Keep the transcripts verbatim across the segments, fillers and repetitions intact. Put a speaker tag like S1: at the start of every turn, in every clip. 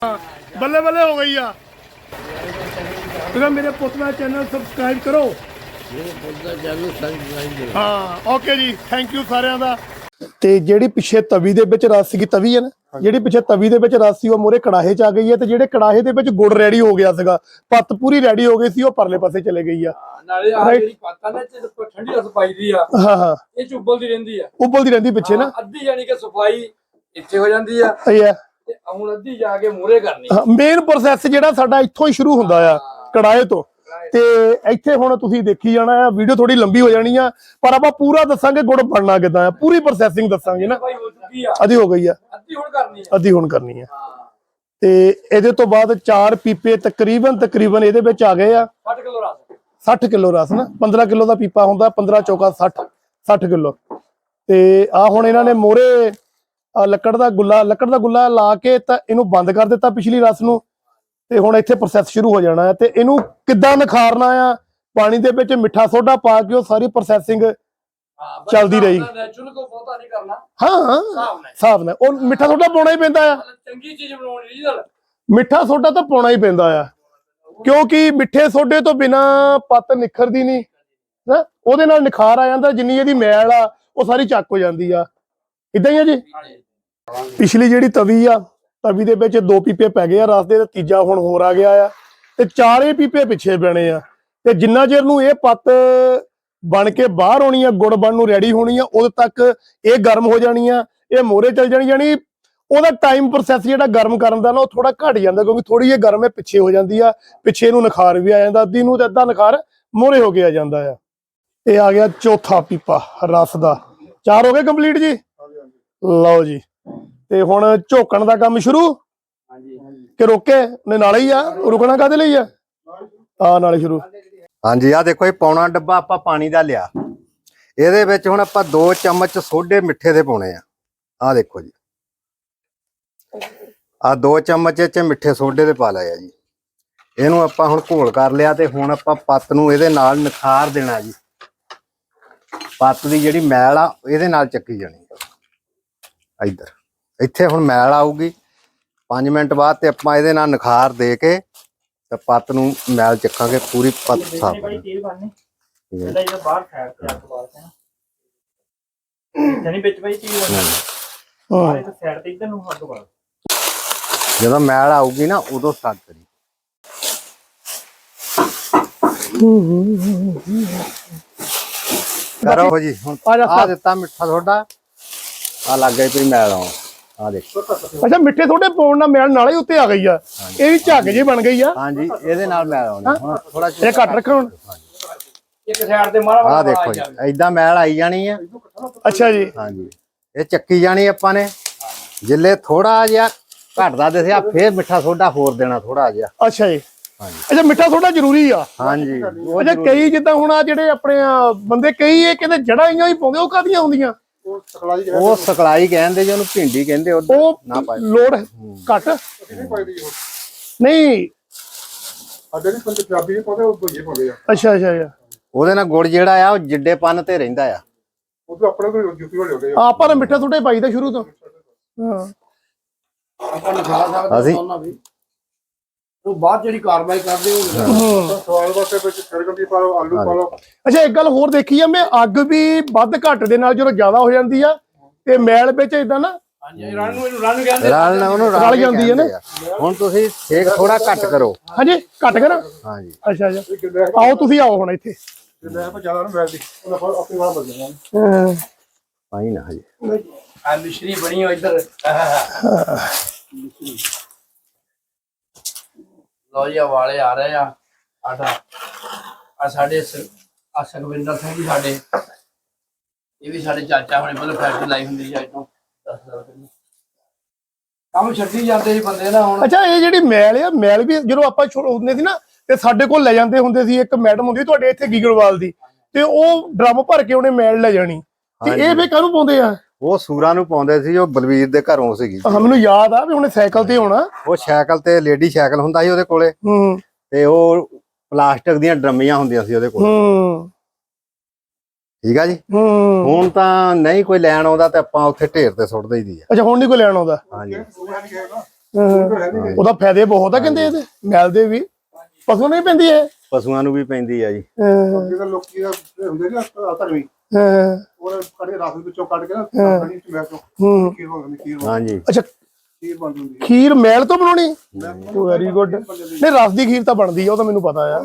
S1: बल्ले बल्ले हो गई आ मेरे पुतना चैनल सबसक्राइब करो। हाँ ओके जी, थैंक यू सारिਆਂ ਦਾ। ਤੇ ਜਿਹੜੀ ਪਿੱਛੇ ਤਵੀ ਦੇ ਵਿੱਚ ਰਸ ਸੀ, ਤਵੀ ਹੈ ਨਾ ਜਿਹੜੀ ਪਿੱਛੇ ਤਵੀ ਦੇ ਵਿੱਚ ਰਸ ਸੀ ਉਹ ਮੋਰੇ ਕੜਾਹੇ ਚ ਆ ਗਈ ਹੈ ਤੇ ਜਿਹੜੇ ਕੜਾਹੇ ਦੇ ਵਿੱਚ ਗੁੜ ਰੈਡੀ ਹੋ ਗਿਆ ਸੀਗਾ, ਪੱਤ ਪੂਰੀ ਰੈਡੀ ਹੋ ਗਈ ਸੀ, ਉਹ ਪਰਲੇ ਪਾਸੇ ਚਲੇ ਗਈ ਆ।
S2: ਨਾਲੇ ਆ ਜਿਹੜੀ ਪੱਤ ਆ ਨਾ ਤੇ ਠੰਡੀ ਰਸ ਪਾਈਦੀ ਆ।
S1: ਹਾਂ ਹਾਂ
S2: ਇਹ ਚ ਉਬਲਦੀ ਰਹਿੰਦੀ ਆ,
S1: ਉਬਲਦੀ ਰਹਿੰਦੀ ਪਿੱਛੇ ਨਾ,
S2: ਅੱਧੀ ਯਾਨੀ ਕਿ ਸਫਾਈ ਇੱਥੇ ਹੋ ਜਾਂਦੀ ਆ
S1: ਇਹ ਆ
S2: ਤੇ ਹੁਣ ਅੱਧੀ ਜਾ ਕੇ ਮੂਹਰੇ ਕਰਨੀ।
S1: ਮੇਨ ਪ੍ਰੋਸੈਸ ਜਿਹੜਾ ਸਾਡਾ ਇੱਥੋਂ ਹੀ ਸ਼ੁਰੂ ਹੁੰਦਾ ਆ, ਕੜਾਹੇ ਤੋਂ। ਤੇ ਇੱਥੇ ਹੁਣ ਤੁਸੀਂ ਦੇਖੀ ਜਾਣਾ ਆ, ਵੀਡੀਓ ਥੋੜੀ ਲੰਬੀ ਹੋ ਜਾਣੀ ਆ, ਪਰ ਆਪਾਂ ਪੂਰਾ ਦੱਸਾਂਗੇ ਗੁੜ ਬਣਨਾ ਕਿਦਾਂ ਆ, ਪੂਰੀ ਪ੍ਰੋਸੈਸਿੰਗ ਦੱਸਾਂਗੇ ਨਾ। ਅੱਧੀ ਹੋ ਗਈ ਆ, ਅੱਧੀ ਹੁਣ ਕਰਨੀ ਆ, ਅੱਧੀ ਹੁਣ ਕਰਨੀ ਆ। ਤੇ ਇਹਦੇ ਤੋਂ ਬਾਅਦ ਚਾਰ ਪੀਪੇ ਤਕਰੀਬਨ ਤਕਰੀਬਨ ਇਹਦੇ ਵਿੱਚ ਆ ਗਏ ਆ ਸੱਠ ਕਿਲੋ ਰਸ। ਸੱਠ ਕਿਲੋ ਰਸ ਨਾ, ਪੰਦਰਾਂ ਕਿਲੋ ਦਾ ਪੀਪਾ ਹੁੰਦਾ, ਪੰਦਰਾਂ ਚੌਕਾ ਸੱਠ, ਸੱਠ ਕਿਲੋ। ਤੇ ਆ ਹੁਣ ਇਹਨਾਂ ਨੇ ਮੋਰੇ ਲੱਕੜ ਦਾ ਗੁੱਲਾ ਲੱਕੜ ਦਾ ਗੁੱਲਾ ਲਾ ਕੇ ਤਾਂ ਇਹਨੂੰ ਬੰਦ ਕਰ ਦਿੱਤਾ ਪਿਛਲੀ ਰਸ ਨੂੰ। ਤੇ ਹੁਣ ਇੱਥੇ ਪ੍ਰੋਸੈਸ ਸ਼ੁਰੂ ਹੋ ਜਾਣਾ ਹੈ। ਤੇ ਇਹਨੂੰ ਕਿੱਦਾਂ ਨਿਖਾਰਨਾ ਆ, ਪਾਣੀ ਦੇ ਵਿੱਚ ਮਿੱਠਾ ਸੋਡਾ ਪਾ ਕੇ ਉਹ ਸਾਰੀ ਪ੍ਰੋਸੈਸਿੰਗ ਚੱਲਦੀ ਰਹੀ। ਹਾਂ ਹਿਸਾਬ ਨਾਲ ਉਹ ਮਿੱਠਾ ਸੋਡਾ ਪਾਉਣਾ ਹੀ ਪੈਂਦਾ ਆ,
S2: ਚੰਗੀ ਚੀਜ਼ ਬਣਾਉਣੀ ਨਾਲ
S1: ਮਿੱਠਾ ਸੋਡਾ ਤਾਂ ਪਾਉਣਾ ਹੀ ਪੈਂਦਾ ਆ, ਕਿਉਂਕਿ ਮਿੱਠੇ ਸੋਡੇ ਤੋਂ ਬਿਨਾ ਪੱਤ ਨਿਖਰਦੀ ਨਹੀਂ ਨਾ, ਉਹਦੇ ਨਾਲ ਨਿਖਾਰ ਆ ਜਾਂਦਾ। ਜਿੰਨੀ ਇਹਦੀ ਮੈਲ ਆ ਉਹ ਸਾਰੀ ਚੱਕ ਹੋ ਜਾਂਦੀ ਆ। ਇਦਾਂ ਹੀ ਆ ਜੀ। ਪਿਛਲੀ ਜਿਹੜੀ ਤਵੀ ਆ, ਤਵੀ ਦੇ ਵਿੱਚ ਦੋ ਪੀਪੇ ਪੈ ਗਏ ਆ ਰਸ ਦੇ, ਤੇ ਤੀਜਾ ਹੁਣ ਹੋਰ ਆ ਗਿਆ ਆ, ਤੇ ਚਾਰੇ ਪੀਪੇ ਪਿੱਛੇ ਪੈਣੇ ਆ। ਤੇ ਜਿੰਨਾ ਚਿਰ ਨੂੰ ਇਹ ਪੱਤ ਬਣ ਕੇ ਬਾਹਰ ਆਉਣੀ ਆ, ਗੁੜ ਬਣਨ ਨੂੰ ਰੈਡੀ ਹੋਣੀ ਆ, ਉਦੋਂ ਤੱਕ ਇਹ ਗਰਮ ਹੋ ਜਾਣੀ ਆ, ਇਹ ਮੋਹਰੇ ਚੱਲ ਜਾਣੀ। ਜਾਣੀ ਉਹਦਾ ਟਾਈਮ ਪ੍ਰੋਸੈਸ ਜਿਹੜਾ ਗਰਮ ਕਰਨ ਦਾ ਨਾ ਉਹ ਥੋੜਾ ਘਟ ਜਾਂਦਾ, ਕਿਉਂਕਿ ਥੋੜੀ ਜਿਹੀ ਗਰਮ ਹੈ ਪਿੱਛੇ ਹੋ ਜਾਂਦੀ ਆ, ਪਿੱਛੇ ਨੂੰ ਨਿਖਾਰ ਵੀ ਆ ਜਾਂਦਾ, ਅੱਧੀ ਨੂੰ ਤੇ ਅੱਧਾ ਨਿਖਾਰ ਮੋਹਰੇ ਹੋ ਕੇ ਆ ਜਾਂਦਾ ਆ। ਇਹ ਆ ਗਿਆ ਚੌਥਾ ਪੀਪਾ ਰਸ ਦਾ। ਚਾਰ ਹੋ ਗਏ ਕੰਪਲੀਟ ਜੀ। ਲਓ ਜੀ, ਤੇ ਹੁਣ ਝੋਕਣ ਦਾ ਕੰਮ ਸ਼ੁਰੂ ਕਿ ਰੋਕੇ ਨੇ ਨਾਲੇ ਹੀ ਆ, ਰੁਕਣਾ ਕਾਹਦੇ ਲਈ ਆ, ਆ ਨਾਲੇ ਸ਼ੁਰੂ।
S3: ਹਾਂਜੀ ਆ ਦੇਖੋ ਇਹ ਪੌਣਾ ਡੱਬਾ ਆਪਾਂ ਪਾਣੀ ਦਾ ਲਿਆ, ਇਹਦੇ ਵਿੱਚ ਹੁਣ ਆਪਾਂ ਦੋ ਚਮਚ ਸੋਡੇ ਮਿੱਠੇ ਦੇ ਪਾਉਣੇ ਆ। ਆ ਦੇਖੋ ਜੀ, ਆ ਦੋ ਚਮਚ ਚ ਮਿੱਠੇ ਸੋਡੇ ਦੇ ਪਾ ਲਿਆ ਜੀ। ਇਹਨੂੰ ਆਪਾਂ ਹੁਣ ਘੋਲ ਕਰ ਲਿਆ ਤੇ ਹੁਣ ਆਪਾਂ ਪੱਤ ਨੂੰ ਇਹਦੇ ਨਾਲ ਨਿਖਾਰ ਦੇਣਾ ਜੀ। ਪੱਤ ਦੀ ਜਿਹੜੀ ਮੈਲ ਆ ਇਹਦੇ ਨਾਲ ਚੱਕੀ ਜਾਣੀ ਇੱਧਰ, ਇੱਥੇ ਹੁਣ ਮੈਲ ਆਊਗੀ। ਪੰਜ ਮਿੰਟ ਬਾਅਦ ਤੇ ਆਪਾਂ ਇਹਦੇ ਨਾਲ ਨਿਖਾਰ ਦੇ ਕੇ ਤੇ ਪੱਤ ਨੂੰ ਮੈਲ ਚੱਕਾਂਗੇ, ਪੂਰੀ ਪੱਤ ਸਾਫ। ਜਦੋਂ ਮੈਲ ਆਊਗੀ ਨਾ ਉਦੋਂ ਸਟਾਰਟ ਕਰੀ। ਕਰੋ ਜੀ, ਹੁਣ ਆ ਦਿੱਤਾ ਮਿੱਠਾ ਸੋਡਾ, ਆ ਲੱਗ ਗਈ ਪਈ ਮੈਲ ਆਉਣ। ਆ ਦੇਖੋ,
S1: ਅੱਛਾ ਮਿੱਠੇ ਸੋਡੇ ਪਾਉਣ ਨਾਲ ਮੈਲ ਨਾਲੇ ਉੱਤੇ ਆ ਗਈ ਆ, ਇਹ ਵੀ ਝੱਗ ਜੇ ਬਣ ਗਈ ਆ।
S3: ਹਾਂਜੀ ਇਹਦੇ ਨਾਲ ਮੈਲ ਆਉਣੀ। ਹੁਣ ਥੋੜਾ
S1: ਇਹ ਘੱਟ ਰੱਖੋ ਹੁਣ,
S2: ਇੱਕ ਸਾਈਡ ਤੇ ਮਾਰਾ।
S3: ਆ ਦੇਖੋ ਜੀ, ਏਦਾਂ ਮੈਲ ਆਈ ਜਾਣੀ ਆ।
S1: ਅੱਛਾ ਜੀ।
S3: ਹਾਂਜੀ ਇਹ ਚੱਕੀ ਜਾਣੀ ਆਪਾਂ ਨੇ। ਜਿੱਲੇ ਥੋੜਾ ਜਿਹਾ ਘਟਦਾ ਦਿਸਿਆ ਫੇਰ ਮਿੱਠਾ ਸੋਡਾ ਹੋਰ ਦੇਣਾ ਥੋੜਾ ਜਿਹਾ।
S1: ਅੱਛਾ ਜੀ। ਅੱਛਾ ਮਿੱਠਾ ਸੋਡਾ ਜ਼ਰੂਰੀ ਆ।
S3: ਹਾਂਜੀ
S1: ਅੱਛਾ ਕਈ ਜਿੱਦਾਂ ਹੁਣ ਆ ਜਿਹੜੇ ਆਪਣੇ ਬੰਦੇ ਕਈ ਇਹ ਕਹਿੰਦੇ ਜੜਾਂ ਹੀ ਪਾਉਂਦੇ, ਉਹ ਕਾਹਦੀਆਂ ਹੁੰਦੀਆਂ?
S3: ਉਹ ਸਕਲਾਈ ਕਹਿੰਦੇ ਜੀ, ਉਹਨੂੰ ਭਿੰਡੀ ਕਹਿੰਦੇ।
S1: ਉਹ ਨਾ ਪਾਏ ਲੋੜ ਘੱਟ ਨਹੀਂ। ਅੱਛਾ ਅੱਛਾ,
S3: ਉਹਦੇ ਨਾਲ ਗੁੜ ਜਿਹੜਾ ਆ ਉਹ ਜਿੱਡੇ ਪੰਨ ਤੇ ਰਹਿੰਦਾ ਆ।
S1: ਆਪਾਂ ਤਾਂ ਮਿੱਠਾ ਸੋਡਾ ਪਾਈਦਾ ਸ਼ੁਰੂ ਤੋਂ। ਹਾਂ
S3: ਅਸੀਂ
S2: ਉਹ ਬਾਅਦ ਜਿਹੜੀ ਕਾਰਵਾਈ ਕਰਦੇ ਹੋ ਸਵਾਲ ਵਾਸਤੇ ਵਿੱਚ ਛੜਕਦੀ ਪਾ ਲਓ, ਆਲੂ ਪਾ ਲਓ।
S1: ਅੱਛਾ ਇੱਕ ਗੱਲ ਹੋਰ ਦੇਖੀ ਆ ਮੈਂ, ਅੱਗ ਵੀ ਵੱਧ ਘੱਟ ਦੇ ਨਾਲ ਜਦੋਂ ਜ਼ਿਆਦਾ ਹੋ ਜਾਂਦੀ ਆ ਤੇ ਮੈਲ ਵਿੱਚ ਇਦਾਂ ਨਾ
S2: ਰਣ ਨੂੰ ਇਹਨੂੰ ਰਣ ਕਹਿੰਦੇ,
S3: ਰਲ ਉਹਨੂੰ
S1: ਰਲ ਜਾਂਦੀ ਹੈ ਨਾ।
S3: ਹੁਣ ਤੁਸੀਂ ਸੇਕ ਥੋੜਾ ਘੱਟ ਕਰੋ।
S1: ਹਾਂਜੀ ਘੱਟ ਕਰਾਂ।
S3: ਹਾਂਜੀ
S1: ਅੱਛਾ ਅੱਛਾ, ਆਓ ਤੁਸੀਂ ਆਓ ਹੁਣ ਇੱਥੇ।
S2: ਜ਼ਿਆਦਾ ਨਾ ਮੈਲਦੀ ਉਹਨਾਂ ਆਪਣੀ ਵਾਲਾ ਬਦਲ ਜਾਣਾ।
S1: ਹਾਂ
S3: ਪਾਈ ਨਾ ਹਜੇ
S2: ਆ ਮਿਸ਼ਰੀ ਬਣੀ ਹੋ ਇੱਧਰ। ਲੋ ਜੀ ਵਾਲੇ ਆ ਰਹੇ ਆ। ਆਟਾ ਆ ਸਾਡੇ ਆ ਸੁਖਵਿੰਦਰ ਸਿੰਘ ਜੀ ਸਾਡੇ, ਇਹ ਵੀ ਸਾਡੇ ਚਾਚਾ ਹੁਣੇ ਪਹਿਲਾਂ ਫੈਕਟਰੀ ਲਾਈ ਹੁੰਦੀ ਸੀ ਅੱਜ ਤੋਂ ਦਸ ਸਾਲ ਪਹਿਲਾਂ। ਕੰਮ ਛੱਡੀ ਜਾਂਦੇ ਸੀ ਬੰਦੇ ਨਾ ਹੁਣ।
S1: ਅੱਛਾ ਇਹ ਜਿਹੜੀ ਮੈਲ ਆ, ਮੈਲ ਵੀ ਜਦੋਂ ਆਪਾਂ ਹੁੰਦੇ ਸੀ ਨਾ ਤੇ ਸਾਡੇ ਕੋਲ ਲੈ ਜਾਂਦੇ ਹੁੰਦੇ ਸੀ, ਇੱਕ ਮੈਡਮ ਹੁੰਦੀ ਤੁਹਾਡੇ ਇੱਥੇ ਗੀਗੜਵਾਲ ਦੀ, ਤੇ ਉਹ ਡਰਮ ਭਰ ਕੇ ਉਹਨੇ ਮੈਲ ਲੈ ਜਾਣੀ। ਤੇ ਇਹ ਵੀ ਕਾਹਨੂੰ ਪਾਉਂਦੇ ਆ?
S3: ਉਹ ਸੂਰਾਂ ਨੂੰ ਪਾਉਂਦੇ ਸੀ, ਉਹ ਬਲਵੀਰ ਦੇ ਘਰੋਂ ਸੀਗੀ।
S1: ਮੈਨੂੰ ਯਾਦ ਆ ਵੀ ਉਹਨੇ ਸਾਈਕਲ ਤੇ ਆਉਣਾ।
S3: ਉਹ ਸਾਈਕਲ ਤੇ ਲੇਡੀ ਸਾਈਕਲ ਹੁੰਦਾ ਸੀ ਉਹਦੇ ਕੋਲੇ,
S1: ਹੂੰ,
S3: ਤੇ ਉਹ ਪਲਾਸਟਿਕ ਦੀਆਂ ਡਰਮੀਆਂ ਹੁੰਦੀਆਂ ਸੀ ਉਹਦੇ ਕੋਲ।
S1: ਹੂੰ
S3: ਠੀਕ ਆ ਜੀ। ਹੁਣ ਤਾਂ ਨਹੀਂ ਕੋਈ ਲੈਣ ਆਉਂਦਾ ਤੇ ਆਪਾਂ ਉੱਥੇ ਢੇਰ ਤੇ ਸੁੱਟ ਦਈਦੀ ਆ।
S1: ਅੱਛਾ ਹੁਣ ਨਹੀਂ ਕੋਈ ਲੈਣ ਆਉਂਦਾ।
S3: ਹਾਂਜੀ
S1: ਹਾਂ, ਉਹਦਾ ਫਾਇਦੇ ਬਹੁਤ ਆ ਕਹਿੰਦੇ ਇਹਦੇ ਮੈਲ ਦੇ ਵੀ। ਪਸ਼ੂ ਨਹੀਂ ਪੈਂਦੀ ਇਹ?
S3: ਪਸ਼ੂਆਂ ਨੂੰ ਵੀ ਪੈਂਦੀ ਆ ਜੀ।
S1: ਹਾਂ
S4: ਜਿਹੜਾ ਲੋਕੀ ਹੁੰਦੇ ਨੇ ਧਰਮੀ
S1: ਹਾਂ
S4: ਉਹ ਕੱਢ ਕੇ ਰਸ ਵਿੱਚੋਂ ਕੱਢ ਕੇ ਨਾ ਕੜੀ ਚ ਮੈਂ ਤੋਂ
S1: ਹੂੰ
S4: ਖੀਰ ਬਣਦੀ ਖੀਰ
S3: ਹਾਂਜੀ
S1: ਅੱਛਾ
S4: ਖੀਰ ਬਣ ਜਾਂਦੀ ਹੈ
S1: ਖੀਰ ਮੈਲ ਤੋਂ ਬਣਾਉਣੀ? Very good. ਨਹੀਂ ਰਸ ਦੀ ਖੀਰ ਤਾਂ ਬਣਦੀ ਆ, ਉਹ ਤਾਂ ਮੈਨੂੰ ਪਤਾ ਆ।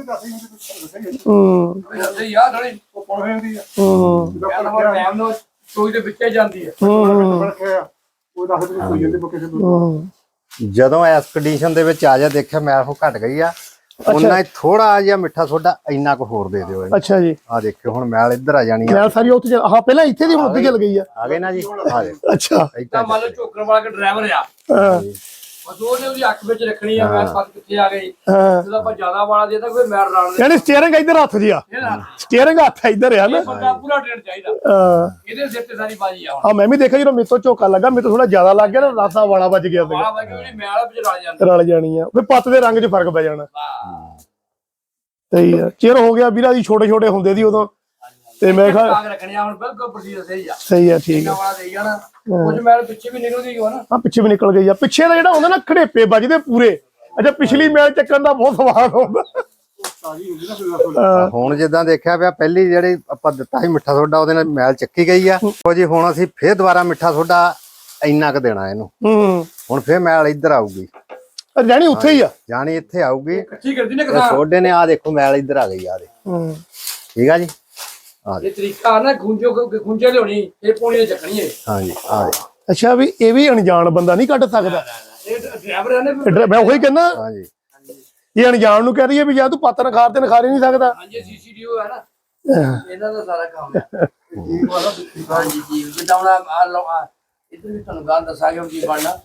S1: ਹੂੰ
S2: ਤੇ ਯਾਰ ਥੋੜੀ
S4: ਉਹ ਪੜ ਜਾਂਦੀ ਆ
S1: ਹੂੰ
S4: ਜਦੋਂ
S2: ਟਾਈਮ ਨਾਲ ਸੋਈ ਦੇ ਵਿੱਚੇ ਜਾਂਦੀ ਹੈ।
S4: ਰੱਖਿਆ ਉਹ ਦੱਸ ਦੇ ਕੋਈ ਜਾਂਦੇ ਬਕੇ ਸੇ
S1: ਹੂੰ
S3: ਜਦੋਂ ਇਸ ਕੰਡੀਸ਼ਨ ਦੇ ਵਿੱਚ ਆ ਜਾ ਦੇਖਿਆ ਮੈਲ ਉਹ ਘਟ ਗਈ ਆ, ਉਹਨਾਂ ਹੀ ਥੋੜਾ ਜਿਹਾ ਮਿੱਠਾ ਸੋਡਾ ਇੰਨਾ ਕੁ ਹੋਰ ਦੇ ਦਿਓ ਇਹਨੂੰ।
S1: ਅੱਛਾ ਜੀ
S3: ਆ ਦੇਖਿਓ ਹੁਣ ਮੈਲ ਇੱਧਰ ਆ ਜਾਣੀ ਆ।
S1: ਮੈਲ ਸਾਰੀ ਉੱਥੇ ਚੱਲ- ਹਾਂ ਪਹਿਲਾਂ ਇੱਥੇ ਦੀ ਹੁਣ ਉੱਥੇ ਚੱਲ ਗਈ ਆ।
S3: ਆ ਗਏ ਨਾ ਜੀ, ਆ ਦੇਖੋ
S1: ਅੱਛਾ
S2: ਤਾਂ ਮੰਨ ਲਓ ਝੋਕਰ ਵਾਲਾ ਕਿ ਡਰਾਈਵਰ ਆ,
S1: ਹਾਂ
S2: ਬਸ ਉਹਨੇ ਉਹਦੀ ਅੱਖ ਵਿੱਚ ਰੱਖਣੀ ਆ, ਮੈਂ ਪਤ ਕਿੱਥੇ ਆ ਗਈ।
S1: ਹਾਂ
S2: ਜਦੋਂ ਆਪਾਂ ਜ਼ਿਆਦਾ ਵਾਲਾ ਦੇਤਾ ਕੋਈ ਮੈਰ ਰਾਣ ਦੇ
S1: ਯਾਨੀ ਸਟੀਅਰਿੰਗ ਇੱਧਰ ਹੱਥ ਜੀ ਆ, ਸਟੀਅਰਿੰਗ ਹੱਥ ਇੱਧਰ ਆ ਨਾ।
S2: ਇਹ ਬੰਦਾ ਪੂਰਾ ਟ੍ਰੇਨ ਚਾਹੀਦਾ,
S1: ਹਾਂ
S2: ਇਹਦੇ ਸਿਰ ਤੇ ਸਾਰੀ ਬਾਜੀ ਆ। ਹੁਣ
S1: ਹਾਂ ਮੈਂ ਵੀ ਦੇਖਿਆ ਜਦੋਂ ਮੇਰੇ ਤੋਂ ਝੋਕਾ ਲੱਗਾ, ਮੇਰੇ ਤੋਂ ਥੋੜਾ ਜ਼ਿਆਦਾ ਲੱਗ ਗਿਆ ਨਾ, ਰਾਸਾ ਵਾਲਾ ਵੱਜ ਗਿਆ ਸੀਗਾ,
S2: ਵਾਲਾ ਬਾਜੀ ਉਹਦੀ ਮੈਲ ਵਿੱਚ ਰਲ ਜਾਂਦੀ।
S1: ਰਲ ਜਾਣੀ ਆ ਵੀ ਪੱਤ ਦੇ ਰੰਗ 'ਚ ਫਰਕ ਪੈ ਜਾਣਾ।
S2: ਵਾਹ
S1: ਸਹੀ ਆ। ਚਿਰ ਹੋ ਗਿਆ ਵੀਰਾ ਜੀ, ਛੋਟੇ ਛੋਟੇ ਹੁੰਦੇ ਦੀ ਉਦੋਂ, ਤੇ ਮੈਂ ਕਿਹਾ
S2: ਕਾਗ ਰੱਖਣੀ ਆ, ਹੁਣ ਬਿਲਕੁਲ ਪ੍ਰੋਸੀਜਰ ਸਹੀ ਆ।
S1: ਸਹੀ ਆ ਠੀਕ ਆ।
S2: ਇਹਨਾਂ ਵਾਲਾ ਦੇਈ ਜਾਣਾ, ਕੁਝ ਮੈਲ ਪਿੱਛੇ ਵੀ ਨਿਕਲਦੀ ਹੋ ਨਾ।
S1: ਆ ਪਿੱਛੇ ਵੀ ਨਿਕਲ ਗਈ ਆ। ਪਿੱਛੇ ਦਾ ਜਿਹੜਾ ਹੁੰਦਾ ਨਾ ਖੜੇਪੇ ਵੱਜਦੇ ਪੂਰੇ। ਅੱਛਾ ਪਿਛਲੀ ਮੈਲ ਚੱਕਣ ਦਾ ਬਹੁਤ ਸਵਾਦ ਹੁੰਦਾ।
S4: ਤਾਜੀ ਹੁੰਦੀ ਨਾ ਫਿਰ
S3: ਹੁਣ ਜਿੱਦਾਂ ਦੇਖਿਆ ਪਿਆ ਪਹਿਲੀ ਜਿਹੜੀ ਆਪਾਂ ਦਿੱਤਾ ਸੀ ਮਿੱਠਾ ਸੋਡਾ, ਉਹਦੇ ਨਾਲ ਮੈਲ ਚੱਕੀ ਗਈ ਆ। ਉਹ ਜੀ ਹੁਣ ਅਸੀਂ ਫੇਰ ਦੁਬਾਰਾ ਮਿੱਠਾ ਸੋਡਾ ਇੰਨਾ ਕੁ ਦੇਣਾ ਇਹਨੂੰ।
S1: ਹੂੰ
S3: ਹੁਣ ਫੇਰ ਮੈਲ ਇੱਧਰ ਆਊਗੀ,
S1: ਜਾਣੀ ਉੱਥੇ ਹੀ ਆ।
S3: ਜਾਣੀ ਇੱਥੇ ਆਊਗੀ।
S2: ਇਕੱਠੀ ਕਰਦੀ ਨੇ
S3: ਇਹ
S2: ਕਿਸਾਨ।
S3: ਸੋਡੇ ਨੇ ਆ ਦੇਖੋ ਮੈਲ ਇੱਧਰ ਆ ਗਈ ਆ ਦੇ,
S1: ਹੂੰ
S3: ਠੀਕ ਆ ਜੀ। ਆ
S2: ਇਹ ਤਰੀਕਾ ਨਾ ਗੁੰਜੋ ਗੁੰਜੇ ਲਿਆਉਣੀ, ਇਹ ਪੌਣੀ ਨੇ ਚੱਕਣੀ ਹੈ।
S3: ਹਾਂਜੀ ਆ ਦੇ,
S1: ਅੱਛਾ ਵੀ ਇਹ ਵੀ ਅਣਜਾਣ ਬੰਦਾ ਨਹੀਂ ਕੱਢ ਸਕਦਾ।
S2: ਇਹ ਡਰਾਈਵਰ ਆ ਨੇ
S1: ਇਹ ਡਰਾ- ਮੈਂ ਉਹੀ ਕਹਿੰਦਾ,
S3: ਹਾਂਜੀ
S1: ਇਹ ਅਣਜਾਣ ਨੂੰ ਕਹਿ ਰਹੀ ਹੈ ਵੀ ਜਾਂ ਤੂੰ ਪੱਤ ਨਖਾਰ ਤੇ ਨਖਾਰ ਹੀ ਨਹੀਂ ਸਕਦਾ।
S2: ਹਾਂਜੀ ਸੀਸੀਟੀਓ ਹੈ ਨਾ, ਇਹਨਾਂ ਦਾ ਸਾਰਾ ਕੰਮ ਹੈ। ਹਾਂਜੀ ਜੀ ਜਿੱਦਾਂ ਹੁਣ ਆ ਲਓ ਆ ਇੱਧਰ ਵੀ ਤੁਹਾਨੂੰ ਗੱਲ ਦੱਸਾਂਗੇ ਹੁਣ ਕੀ ਬਣਨਾ।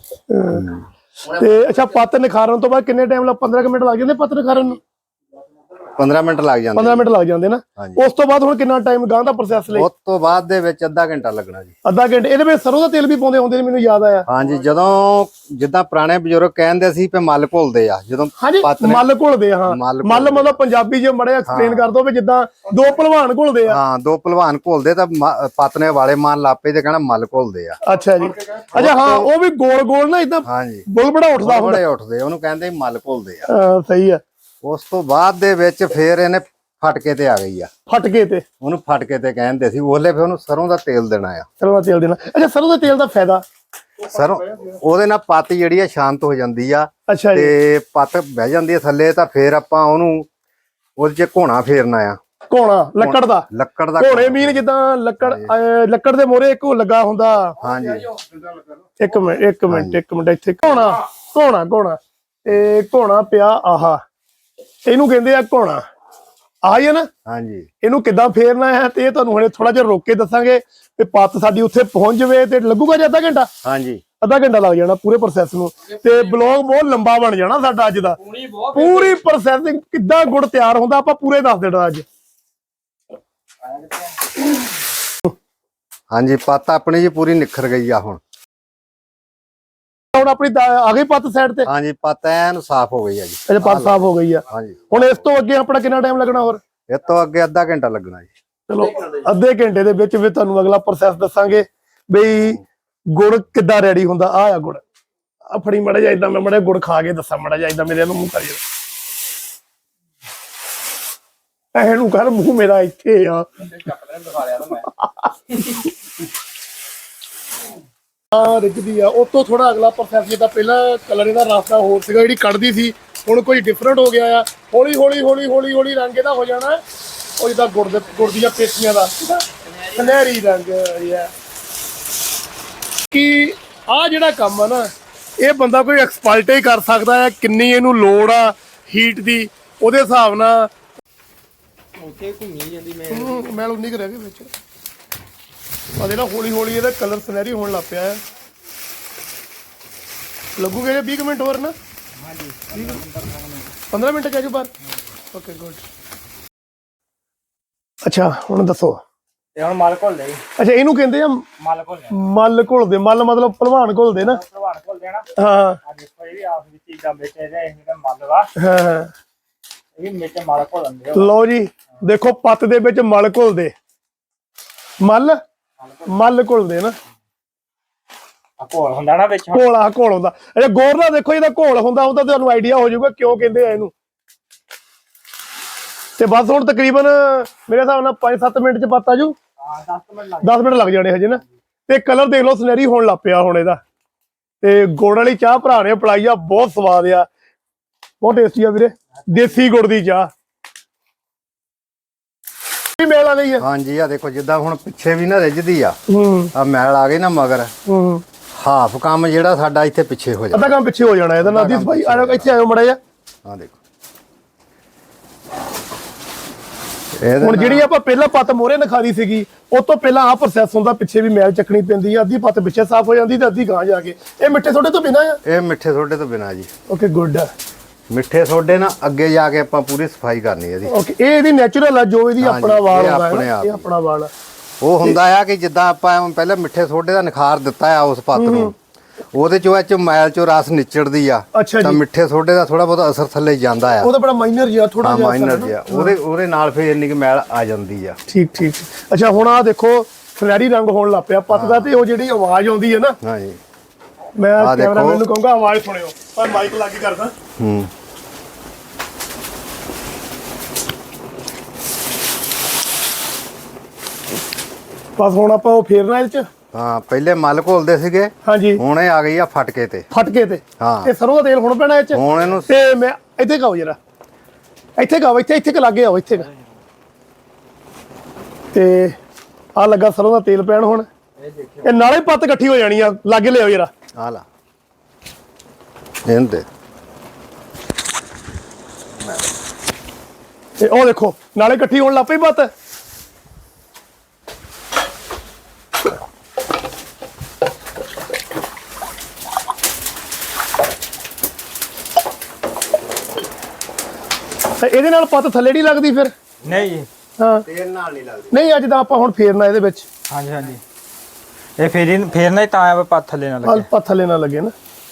S1: ਤੇ ਅੱਛਾ ਪੱਤ ਨਿਖਾਰਨ ਤੋਂ ਬਾਅਦ ਕਿੰਨੇ ਟਾਈਮ ਲੱਗ? ਪੰਦਰਾਂ ਕੁ ਮਿੰਟ ਲੱਗ ਜਾਂਦੇ ਪੱਤ ਨਿਖਾਰਨ ਨੂੰ?
S3: ਪੰਦਰਾਂ ਮਿੰਟ ਲੱਗ ਜਾਂਦੇ।
S1: ਪੰਦਰਾਂ ਮਿੰਟ ਲੱਗ ਜਾਂਦੇ ਨਾ।
S3: ਹਾਂਜੀ।
S1: ਉਸ ਤੋਂ ਬਾਅਦ ਹੁਣ ਕਿੰਨਾ ਟਾਈਮ ਗਾਂ ਦਾ ਪ੍ਰੋਸੈਸ ਲਈ?
S3: ਉਸ ਤੋਂ ਬਾਅਦ ਦੇ ਵਿੱਚ ਅੱਧਾ ਘੰਟਾ ਲੱਗਣਾ ਜੀ।
S1: ਅੱਧਾ ਘੰਟੇ। ਇਹਦੇ ਵਿੱਚ ਸਰੋਂ ਦਾ ਤੇਲ ਵੀ ਪਾਉਂਦੇ ਹੁੰਦੇ ਨੇ, ਮੈਨੂੰ ਯਾਦ ਆਇਆ।
S3: ਹਾਂਜੀ ਜਦੋਂ ਜਿੱਦਾਂ ਪੁਰਾਣੇ ਬਜ਼ੁਰਗ ਕਹਿੰਦੇ ਸੀ ਕਿ ਮੱਲ ਘੁਲਦੇ ਆ, ਜਦੋਂ
S1: ਹਾਂਜੀ
S3: ਪੱਤ ਨੇ-
S1: ਮੱਲ ਘੁਲਦੇ ਆ। ਹਾਂ
S3: ਮੱਲ
S1: ਮੱਲ ਮਤਲਬ ਪੰਜਾਬੀ ਜੇ ਮੜੇ ਐਕਸਪਲੇਨ ਕਰ ਦੋ ਵੀ ਜਿੱਦਾਂ ਦੋ ਭਲਵਾਨ ਘੁਲਦੇ ਆ।
S3: ਹਾਂ ਦੋ ਭਲਵਾਨ ਘੁਲਦੇ ਤਾਂ ਮ- ਪੱਤ ਨੇ ਵਾਲੇ ਮਾਨ ਲਾਪੇ ਤੇ ਕਹਿਣਾ ਮੱਲ ਘੁਲਦੇ ਆ।
S1: ਅੱਛਾ ਜੀ। ਅੱਛਾ ਹਾਂ ਉਹ ਵੀ ਗੋਲ ਗੋਲ ਨਾ ਇਦਾਂ
S3: ਹਾਂਜੀ
S1: ਬੁਲਬੜਾ ਉੱਠਦਾ ਹੁੰਦਾ।
S3: ਬੜੇ ਉੱਠਦੇ, ਉਹਨੂੰ ਕਹਿੰਦੇ ਮੱਲ ਘੁਲਦੇ ਆ।
S1: ਹਾਂ, ਸਹੀ ਆ।
S3: ਉਸ ਤੋਂ ਬਾਅਦ ਦੇ ਵਿੱਚ ਫੇਰ ਇਹਨੇ ਫਟਕੇ ਤੇ ਆ ਗਈ ਆ,
S1: ਫਟਕੇ ਤੇ
S3: ਉਹਨੂੰ ਫਟਕੇ ਤੇ ਕਹਿੰਦੇ ਸੀ। ਉਹਲੇ ਫੇਰ ਉਹਨੂੰ ਸਰੋਂ ਦਾ ਤੇਲ ਦੇਣਾ ਆ।
S1: ਸਰੋਂ ਦਾ ਤੇਲ ਦੇਣਾ। ਅੱਛਾ ਸਰੋਂ ਦਾ ਤੇਲ ਦਾ ਫਾਇਦਾ?
S3: ਸਰੋਂ ਉਹਦੇ ਨਾਲ ਪੱਤ ਜਿਹੜੀ ਆ ਸ਼ਾਂਤ ਹੋ ਜਾਂਦੀ ਆ
S1: ਅੱਛਾ ਜੀ।
S3: ਤੇ ਪੱਤ ਬਹਿ ਜਾਂਦੀ ਆ ਥੱਲੇ, ਤਾਂ ਫੇਰ ਆਪਾਂ ਉਹਨੂੰ ਉਹਦੇ ਚ ਘੋਣਾ ਫੇਰਨਾ ਆ।
S1: ਘੋਣਾ ਲੱਕੜ ਦਾ?
S3: ਲੱਕੜ ਦਾ
S1: ਘੋੜੇ ਮੀਨ ਜਿੱਦਾਂ ਲੱਕੜ ਅਹ, ਲੱਕੜ ਦੇ ਮੋਰੇ ਇੱਕ ਉਹ ਲੱਗਾ ਹੁੰਦਾ।
S3: ਹਾਂਜੀ
S1: ਇੱਕ ਮਿੰਟ ਇੱਕ ਮਿੰਟ ਇੱਕ ਮਿੰਟ ਇੱਥੇ ਘੋਣਾ ਘੋਣਾ ਘੋਣਾ ਤੇ ਘੋਣਾ ਪਿਆ ਆਹਾ, ਇਹਨੂੰ ਕਹਿੰਦੇ ਆ ਘੋਣਾ। ਆਹ ਹੀ ਹੈ ਨਾ?
S3: ਹਾਂਜੀ
S1: ਇਹਨੂੰ ਕਿੱਦਾਂ ਫੇਰਨਾ ਹੈ ਤੇ ਇਹ ਤੁਹਾਨੂੰ ਹੁਣੇ ਥੋੜਾ ਜਿਹਾ ਰੋਕ ਕੇ ਦੱਸਾਂਗੇ ਤੇ ਪੱਤ ਸਾਡੀ ਉੱਥੇ ਪਹੁੰਚ ਜਾਵੇ ਤੇ ਲੱਗੂਗਾ ਜੀ ਅੱਧਾ ਘੰਟਾ?
S3: ਹਾਂਜੀ
S1: ਅੱਧਾ ਘੰਟਾ ਲੱਗ ਜਾਣਾ ਪੂਰੇ ਪ੍ਰੋਸੈਸ ਨੂੰ, ਤੇ ਬਲੌਗ ਬਹੁਤ ਲੰਬਾ ਬਣ ਜਾਣਾ ਸਾਡਾ ਅੱਜ ਦਾ।
S2: ਪੂਣੀ ਬਹੁਤ
S1: ਪੂਰੀ ਪ੍ਰੋਸੈਸਿੰਗ ਕਿੱਦਾਂ ਗੁੜ ਤਿਆਰ ਹੁੰਦਾ ਆਪਾਂ ਪੂਰੇ ਦੱਸ ਦੇਣਾ ਅੱਜ।
S3: ਹਾਂਜੀ ਪੱਤ ਆਪਣੀ ਜੀ ਪੂਰੀ ਨਿਖਰ ਗਈ ਆ ਹੁਣ।
S1: ਹੁਣ ਆਪਣੀ ਦਾ- ਆ ਗਈ ਪੱਤ ਸਾਈਡ ਤੇ?
S3: ਹਾਂਜੀ ਪੱਤ ਐਨ ਸਾਫ਼ ਹੋ ਗਈ ਆ ਜੀ।
S1: ਅਜੇ ਪੱਤ ਸਾਫ਼ ਹੋ ਗਈ ਆ।
S3: ਹਾਂਜੀ
S1: ਹੁਣ ਇਸ ਤੋਂ ਅੱਗੇ ਆਪਣਾ ਕਿੰਨਾ ਟਾਈਮ ਲੱਗਣਾ ਹੋਰ?
S3: ਇਹ ਤੋਂ ਅੱਗੇ ਅੱਧਾ ਘੰਟਾ ਲੱਗਣਾ ਜੀ।
S1: ਚਲੋ ਅੱਧੇ ਘੰਟੇ ਦੇ ਵਿੱਚ ਵੀ ਤੁਹਾਨੂੰ ਅਗਲਾ ਪ੍ਰੋਸੈਸ ਦੱਸਾਂਗੇ ਬਈ ਗੁੜ ਕਿੱਦਾਂ ਰੈਡੀ ਹੁੰਦਾ। ਆ ਆ ਗੁੜ ਆ ਫੜੀ ਮੜਾ ਜਾ ਇਦਾਂ, ਮੈਂ ਮੜਾ ਗੁੜ ਖਾ ਕੇ ਦੱਸਾਂ ਮੜਾ ਜਾ ਇਦਾਂ ਮੇਰੇ ਨੂੰ ਮੂੰਹ ਕਰੀ ਇਹਨੂੰ ਕਰ ਮੂੰਹ ਮੇਰਾ ਇੱਥੇ ਆ।
S2: ਦਿਖਾ ਲਿਆ ਨਾ ਮੈਂ।
S1: ਆ ਰਿੱਝਦੀ ਆ ਉਹ ਤੋਂ ਥੋੜਾ ਅਗਲਾ ਪ੍ਰੋਸੈਸ ਜਿੱਦਾਂ ਪਹਿਲਾਂ ਕਲਰ ਇਹਦਾ ਰਸਤਾ ਹੋਰ ਸੀਗਾ, ਜਿਹੜੀ ਕੱਢਦੀ ਸੀ ਹੁਣ ਕੋਈ ਡਿਫਰੈਂਟ ਹੋ ਗਿਆ ਆ। ਹੌਲੀ ਹੌਲੀ ਹੌਲੀ ਹੌਲੀ ਹੌਲੀ ਰੰਗ ਇਹਦਾ ਹੋ ਜਾਣਾ ਉਹ ਜਿੱਦਾਂ ਗੁੜ ਦੇ ਗੁੜ ਦੀਆਂ ਪੇਟੀਆਂ ਦਾ ਸੁਨਹਿਰੀ ਰੰਗ ਆ। ਕਿ ਆ ਜਿਹੜਾ ਕੰਮ ਆ ਨਾ ਇਹ ਬੰਦਾ ਕੋਈ ਐਕਸਪਰਟ ਹੀ ਕਰ ਸਕਦਾ ਹੈ। ਕਿੰਨੀ ਇਹਨੂੰ ਲੋੜ ਆ ਹੀਟ ਦੀ, ਉਹਦੇ ਹਿਸਾਬ ਨਾਲ
S2: ਉੱਥੇ ਘੁੰਮੀ ਜਾਂਦੀ ਮੈਂ।
S1: ਹੂੰ ਮੈਲ ਉਨੀ ਕੁ ਰਹਿ ਗਈ ਵਿੱਚ। ਆ ਦੇ ਨਾ ਹੌਲੀ ਹੌਲੀ ਇਹਦਾ ਕਲਰ ਸੁਨਹਿਰੀ ਹੋਣ ਲੱਗ ਪਿਆ ਹੈ। ਲੱਗੂਗੇ ਜੇ ਵੀਹ ਕੁ ਮਿੰਟ ਹੋਰ ਨਾ? ਹਾਂਜੀ ਪੰਦਰਾਂ ਮਿੰਟ ਕਹਿ ਜੋ ਬਾਹਰ। Okay good. ਅੱਛਾ ਹੁਣ ਦੱਸੋ।
S2: ਤੇ ਹੁਣ ਮਲ ਘੁੱਲ ਦੇ।
S1: ਅੱਛਾ ਇਹਨੂੰ ਕਹਿੰਦੇ ਆ
S2: ਮਲ ਘੁੱਲ
S1: ਮੱਲ ਘੁਲਦੇ। ਮੱਲ ਮਤਲਬ ਭਲਵਾਨ ਘੁਲਦੇ ਨਾ?
S2: ਭਲਵਾਨ ਘੁੱਲ ਦੇਣਾ।
S1: ਹਾਂ
S2: ਆ ਦੇਖੋ ਇਹ ਵੀ ਆਪ ਵਿੱਚ ਇਦਾਂ ਵਿੱਚ ਇਹਦੇ ਇਹਦਾ ਮਲ ਵਾ,
S1: ਹਾਂ ਹਾਂ।
S2: ਇਹ ਵੀ ਵਿੱਚ ਮਲ ਘੁੱਲਣ ਦੇ।
S1: ਲਓ ਜੀ ਦੇਖੋ ਪੱਤ ਦੇ ਵਿੱਚ ਮਲ ਘੁਲਦੇ। ਮੱਲ ਮੱਲ ਘੁਲਦੇ ਨਾ।
S5: ਆ ਘੋਲ ਹੁੰਦਾ ਨਾ ਵਿੱਚ
S1: ਘੋਲ ਆ ਘੋਲ ਹੁੰਦਾ। ਅੱਛਾ ਗੌਰ ਨਾਲ ਦੇਖੋ ਇਹਦਾ ਘੋਲ ਹੁੰਦਾ ਉਹਦਾ ਤੁਹਾਨੂੰ ਆਈਡੀਆ ਹੋ ਜਾਊਗਾ ਕਿਉਂ ਕਹਿੰਦੇ ਆ ਇਹਨੂੰ। ਤੇ ਬਸ ਹੁਣ ਤਕਰੀਬਨ ਮੇਰੇ ਹਿਸਾਬ ਨਾਲ ਪੰਜ ਸੱਤ ਮਿੰਟ ਚ ਪੱਤ ਆ ਜੂ।
S5: ਦਸ ਮਿੰਟ ਲੱਗ
S1: ਦਸ ਮਿੰਟ ਲੱਗ ਜਾਣੇ ਹਜੇ ਨਾ। ਤੇ ਕਲਰ ਦੇਖ ਲਓ ਸੁਨਹਿਰੀ ਹੋਣ ਲੱਗ ਪਿਆ ਹੁਣ ਇਹਦਾ। ਤੇ ਗੁੜ ਵਾਲੀ ਚਾਹ ਭਰਾ ਨੇ ਪਲਾਈ ਆ, ਬਹੁਤ ਸਵਾਦ ਆ, ਬਹੁਤ ਟੇਸਟੀ ਆ ਵੀਰੇ, ਦੇਸੀ ਗੁੜ ਦੀ ਚਾਹ ਮੈਲ ਆ ਗਈ ਆ।
S3: ਹਾਂਜੀ ਆ ਦੇਖੋ ਜਿੱਦਾਂ ਹੁਣ ਪਿੱਛੇ ਵੀ ਨਾ ਰਿੱਝਦੀ ਆ,
S1: ਹੂੰ
S3: ਆ ਮੈਲ ਆ ਗਈ ਨਾ ਮਗਰ,
S1: ਹੂੰ
S3: ਹਾਫ ਕੰਮ ਜਿਹੜਾ ਸਾਡਾ ਇੱਥੇ ਪਿੱਛੇ ਹੋ ਜਾਂਦਾ।
S1: ਅੱਧਾ ਕੰਮ ਪਿੱਛੇ ਹੋ ਜਾਣਾ ਇਹਦਾ ਨਾਲ ਦੀ ਸਫਾਈ। ਆ ਜਾਓ ਇੱਥੇ ਆਇਓ ਮੜਾ ਜਾ।
S3: ਆ ਦੇਖੋ ਇਹਦੇ
S1: ਹੁਣ ਜਿਹੜੀ ਆਪਾਂ ਪਹਿਲਾਂ ਪੱਤ ਮੋਹਰੇ ਨਖਾਰੀ ਸੀਗੀ ਉਹ ਤੋਂ ਪਹਿਲਾਂ ਆਹ ਪ੍ਰੋਸੈਸ ਹੁੰਦਾ, ਪਿੱਛੇ ਵੀ ਮੈਲ ਚੱਕਣੀ ਪੈਂਦੀ ਆ, ਅੱਧੀ ਪੱਤ ਪਿੱਛੇ ਸਾਫ਼ ਹੋ ਜਾਂਦੀ ਤੇ ਅੱਧੀ ਗਾਂ ਜਾ ਕੇ। ਇਹ ਮਿੱਠੇ ਸੋਡੇ ਤੋਂ ਬਿਨਾਂ ਆ।
S3: ਇਹ ਮਿੱਠੇ ਸੋਡੇ ਤੋਂ ਬਿਨਾਂ ਜੀ।
S1: Okay good.
S3: ਮਿੱਠੇ ਸੋਡੇ ਨਾਲ ਅੱਗੇ ਜਾ ਕੇ ਆਪਾਂ ਪੂਰੀ ਸਫਾਈ ਕਰਨੀ ਇਹਦੀ।
S1: ਓਕੇ ਇਹ ਇਹਦੀ ਨੈਚੁਰਲ ਆ, ਜੋ ਇਹਦੀ
S3: ਹਾਂਜੀ,
S1: ਆਪਣਾ ਵਾਲ
S3: ਇਹ
S1: ਹੁੰਦਾ
S3: ਆਪਣੇ
S1: ਹੈ
S3: ਆਪ
S1: ਇਹ ਆਪਣਾ ਵਾਲ ਆ।
S3: ਉਹ ਹੁੰਦਾ ਆ ਕਿ ਜਿੱਦਾਂ ਆਪਾਂ ਪਹਿਲਾਂ ਮਿੱਠੇ ਸੋਡੇ ਦਾ ਨਿਖਾਰ ਦਿੱਤਾ ਆ ਉਸ ਪੱਤ ਨੂੰ, ਉਹਦੇ ਚੋਂ ਇਹ ਚੋਂ ਮੈਲ ਚੋਂ ਰਸ ਨਿਚੜਦੀ ਆ,
S1: ਅੱਛਾ
S3: ਤਾਂ
S1: ਜੀ।
S3: ਮਿੱਠੇ ਸੋਡੇ ਦਾ ਥੋੜਾ ਬਹੁਤ ਅਸਰ ਥੱਲੇ ਜਾਂਦਾ ਆ।
S1: ਉਹਦਾ ਬੜਾ ਮਾਈਨਰ ਜਿਹਾ ਥੋੜਾ
S3: ਹਾਂ
S1: ਜਿਹਾ
S3: ਮਾਈਨਰ
S1: ਅਸਰ ਹੈ
S3: ਜਿਹਾ,
S1: ਨਾ।
S3: ਉਹਦੇ ਉਹਦੇ ਨਾਲ ਫਿਰ ਇੰਨੀ ਕਿ ਮੈਲ ਆ ਜਾਂਦੀ ਆ।
S1: ਠੀਕ ਠੀਕ। ਅੱਛਾ ਹੁਣ ਆ ਦੇਖੋ ਸੁਨਹਿਰੀ ਰੰਗ ਹੋਣ ਲੱਗ ਪਿਆ ਪੱਤ ਦਾ, ਤੇ ਉਹ ਜਿਹੜੀ ਆਵਾਜ਼ ਆਉਂਦੀ ਹੈ ਨਾ,
S3: ਹਾਂਜੀ
S1: ਮੈਂ
S3: ਆਹ ਦੇਖੋ।
S1: ਕੈਮਰਾਮੈਨ ਨੂੰ ਕਹੂੰਗਾ ਆਵਾਜ਼ ਸੁਣਿਓ, ਪਰ ਮਾਈਕ ਲੱਗ ਕਰਦਾ।
S3: ਹੂੰ
S1: ਬਸ ਹੁਣ ਆਪਾਂ ਉਹ ਫੇਰਨਾ ਇਹ ਚ।
S3: ਹਾਂ ਪਹਿਲੇ ਮਲ ਘੋਲਦੇ ਸੀਗੇ,
S1: ਹਾਂਜੀ
S3: ਹੁਣ ਇਹ ਆ ਗਈ ਆ ਫਟਕੇ ਤੇ।
S1: ਫਟਕੇ ਤੇ
S3: ਹਾਂ।
S1: ਇਹ ਸਰੋਂ ਦਾ ਤੇਲ ਹੁਣ ਪੈਣਾ ਇਹ ਚ।
S3: ਹੁਣ ਇਹਨੂੰ
S1: ਤੇ ਮੈਂ ਇੱਥੇ ਖਾਓ ਜਰਾ, ਇੱਥੇ ਖਾਓ, ਇੱਥੇ ਇੱਥੇ ਕ ਲਾਗੇ ਆਓ, ਇੱਥੇ ਕੁ। ਤੇ ਆ ਲੱਗਾ ਸਰੋਂ ਦਾ ਤੇਲ ਪੈਣ ਹੁਣ। ਇਹ ਨਾਲੇ ਪੱਤ ਇਕੱਠੀ ਹੋ ਜਾਣੀ ਆ, ਲਾਗੇ ਲਿਆਓ ਜਰਾ।
S3: ਆ ਲਾ ਇਹਦੇ
S1: ਤੇ ਉਹ ਦੇਖੋ ਨਾਲੇ ਇਕੱਠੀ ਹੋਣ ਲੱਗ ਪਈ ਪੱਤ। ਤੇ ਇਹਦੇ ਨਾਲ ਪੱਤ ਥੱਲੇ ਨਹੀਂ ਲੱਗਦੀ ਫਿਰ?
S5: ਨਹੀਂ ਜੀ।
S1: ਹਾਂ
S3: ਤੇਲ ਨਾਲ ਨਹੀਂ ਲੱਗਦੀ।
S1: ਨਹੀਂ ਅੱਜ ਤਾਂ ਆਪਾਂ ਹੁਣ ਫੇਰਨਾ ਇਹਦੇ ਵਿੱਚ।
S5: ਹਾਂਜੀ ਹਾਂਜੀ ਇਹ ਫੇਰੀ ਫੇਰਨਾ ਹੀ ਤਾਂ ਆ ਪੱਤ ਥੱਲੇ ਨਾ ਲੱਗੇ।
S1: ਹਲ ਪੱਤ ਥੱਲੇ ਨਾ ਲੱਗੇ ਨਾ।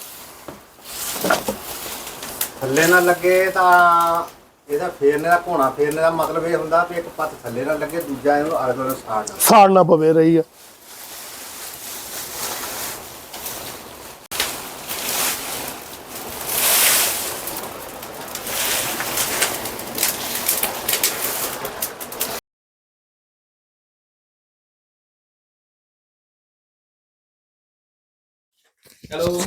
S3: ਥੱਲੇ ਨਾ ਲੱਗੇ ਤਾਂ ਇਹਦਾ ਫੇਰਨੇ ਦਾ ਘੋਣਾ ਫੇਰਨੇ ਦਾ ਮਤਲਬ ਇਹ ਹੁੰਦਾ ਵੀ ਇੱਕ ਪੱਤ ਥੱਲੇ ਨਾ ਲੱਗੇ, ਦੂਜਾ ਇਹਨੂੰ ਆਲੇ ਦੁਆਲੇ ਸਾੜਨਾ।
S1: ਸਾੜਨਾ ਪਵੇ ਰਹੀ ਆ।
S2: ਚਲੋ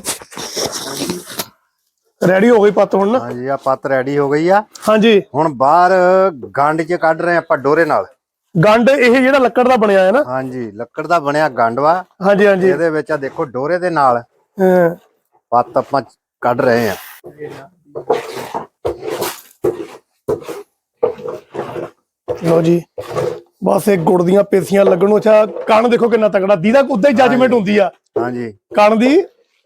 S1: ਰੈਡੀ ਹੋ ਗਈ ਪੱਤ ਹੁਣ ਨਾ।
S3: ਹਾਂਜੀ ਆ ਪੱਤ ਰੈਡੀ ਹੋ ਗਈ ਆ।
S1: ਹਾਂਜੀ
S3: ਹੁਣ ਬਾਹਰ ਗੰਡ 'ਚ ਕੱਢ ਰਹੇ ਆਪਾਂ ਡੋਰੇ ਨਾਲ।
S1: ਗੰਡ ਇਹ ਜਿਹੜਾ ਲੱਕੜ ਦਾ ਬਣਿਆ ਹੈ ਨਾ।
S3: ਹਾਂਜੀ ਲੱਕੜ ਦਾ ਬਣਿਆ ਗੰਡ ਵਾ।
S1: ਹਾਂਜੀ ਹਾਂਜੀ।
S3: ਇਹਦੇ ਵਿੱਚ ਆ ਦੇਖੋ ਡੋਰੇ ਦੇ ਨਾਲ
S1: ਹਾਂ।
S3: ਪੱਤ ਆਪਾਂ ਕੱਢ ਰਹੇ ਆ।
S1: ਲੋ ਜੀ ਬਸ ਇਹ ਗੁੜ ਦੀਆਂ ਪੇਸੀਆਂ ਲੱਗਣ ਨੂੰ। ਅੱਛਾ ਕਣ ਦੇਖੋ ਕਿੰਨਾ ਤਕੜਾ ਦੀਦਾ, ਉਦਾਂ ਹੀ ਜੱਜਮੈਂਟ ਹੁੰਦੀ ਆ
S3: ਹਾਂਜੀ
S1: ਕਣ ਦੀ।